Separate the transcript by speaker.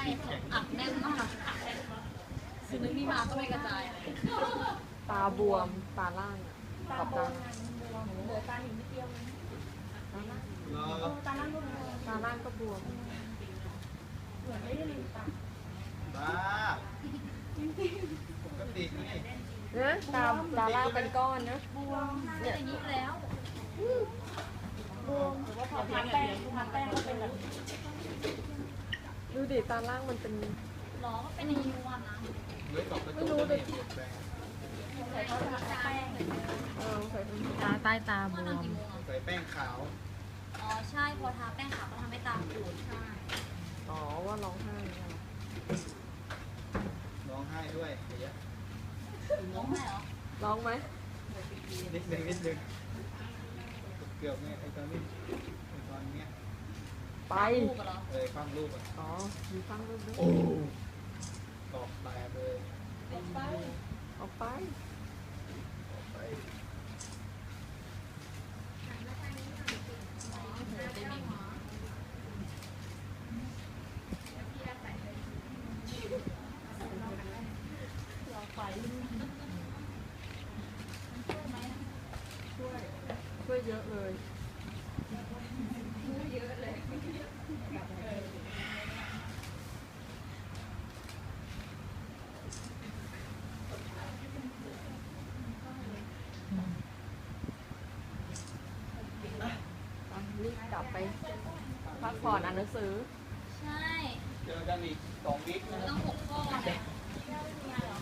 Speaker 1: อัดแน่นมากคือนึกนี่มาก็ไม่กระจายเลย
Speaker 2: ตาบวมตาล่างกับตา
Speaker 3: เหลือตาหินนิดเดียว ตาล่างลูก
Speaker 2: ตาล่างก็บวม
Speaker 3: เหมือนไม่ได้ลืมตา
Speaker 4: บ้าปกตินี่
Speaker 2: นะตาล่างเป็นก้อนนะ
Speaker 3: บวม
Speaker 1: เนี่ยอย่างนี้แล้ว
Speaker 3: บวมหรือว่าพอทาแป้งก็เป็นแบบ
Speaker 2: ดูดิตาล่างมันเป็น
Speaker 1: หรอก็เป็นในยูวันนะ
Speaker 4: เฮ้ยตอกกระจกจะมีแบง
Speaker 3: ใส่เขาทาแป้ง
Speaker 2: ใส่เป็น
Speaker 5: ตาใต้ตาบ
Speaker 1: ก็
Speaker 5: ว
Speaker 1: นอน
Speaker 5: ม
Speaker 1: กี่โมงอ่ะ
Speaker 4: ใส่แป้งขาว
Speaker 1: อ๋อใช่พอทาแป้งขาวก็ทำให้ตาปูดใช่
Speaker 2: อ๋อว่าร้องไห้เนี่ย
Speaker 4: ร้องไห้ด้วยเดี๋ยว
Speaker 1: ร้องไห้เหรอ
Speaker 2: ร้องไหม
Speaker 4: นิดนึงเกือบไงไอ้ตอนนี้ไอ้ตอนเนี้ย
Speaker 2: ไป
Speaker 1: ลูกเหรอ
Speaker 4: ความรูปอ่ะ
Speaker 2: อ๋อมีฟังรูปด้วย
Speaker 4: โอ้ตอกแตกเลย
Speaker 3: ไป
Speaker 2: ออกไป
Speaker 4: ไป
Speaker 2: ช่วยเยอะเลย รีบกลับไปพักผ่อนอ่านหนังสือ
Speaker 1: ใช่
Speaker 4: เจอกันอีก2 วิค
Speaker 1: ไม่ต้อง6 ข้อเนี่ย
Speaker 3: ไม่มีอะไรหรอ